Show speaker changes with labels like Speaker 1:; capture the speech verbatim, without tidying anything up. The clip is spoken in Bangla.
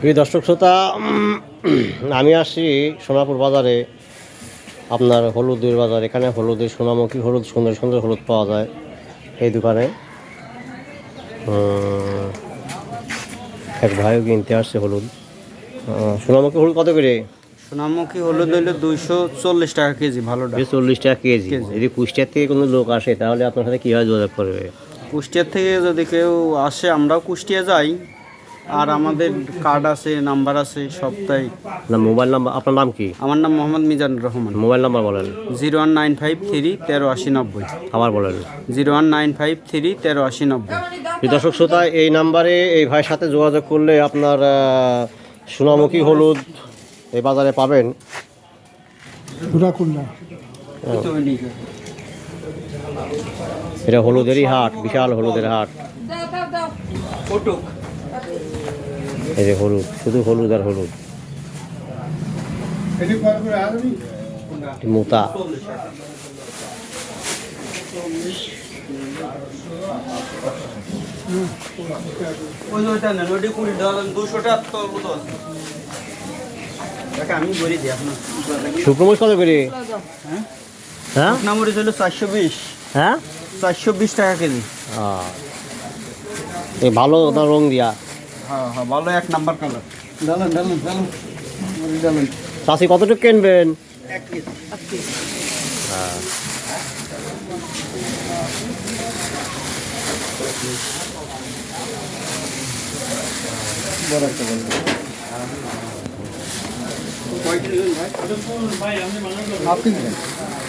Speaker 1: প্রিয় দর্শক শ্রোতা, আমি আসছি সোনাপুর বাজারে, আপনার হলুদের বাজার। এখানে হলুদের সোনামুখী হলুদ, সুন্দর সুন্দর হলুদ পাওয়া যায় এই দোকানে। এক ভাইও কিনতে আসছে হলুদ। সোনামুখী হলুদ কত করে?
Speaker 2: সোনামুখী হলুদ হইলে দুইশো চল্লিশ টাকা কেজি। ভালোটা
Speaker 1: চল্লিশ টাকা কেজি। যদি কুষ্টিয়ার থেকে কোনো লোক আসে তাহলে আপনার সাথে কীভাবে যোগাযোগ করবে?
Speaker 2: কুষ্টিয়ার থেকে যদি কেউ আসে, আমরাও কুষ্টিয়া যাই, আর আমাদের কার্ড আছে, নাম্বার আছে সবটাই।
Speaker 1: না, মোবাইল নাম্বার? আপনার নাম কি?
Speaker 2: আমার নাম মোহাম্মদ মিজানুর রহমান।
Speaker 1: মোবাইল নাম্বার বলেন।
Speaker 2: Zero one nine five three তেরো আশি নব্বই।
Speaker 1: আবার বলেন।
Speaker 2: Zero one nine five three তেরো আশি নব্বই।
Speaker 1: দর্শক শ্রোতা, এই নাম্বারে এই ভাইয়ের সাথে যোগাযোগ করলে আপনার সোনামুখী হলুদ এই বাজারে পাবেন। এটা হলুদেরই হাট, বিশাল হলুদের হাট। এই যে হলুদ, শুধু হলুদ আর হলুদ। মোতা শুকনো কত করে? হ্যাঁ,
Speaker 2: মরিচ হলো চারশো বিশ।
Speaker 1: হ্যাঁ,
Speaker 2: চারশো বিশ টাকা কেজি।
Speaker 1: এই ভালো না রং দিয়া?
Speaker 2: হ্যাঁ হ্যাঁ, ভালো, এক নাম্বার কালার। ডালেন ডালেন ডালেন ডালেন।
Speaker 1: চাষি কতটুকু কিনবেন?
Speaker 2: এক কেজি।
Speaker 1: হ্যাঁ,
Speaker 2: বড় একটা বলবেন। আপনি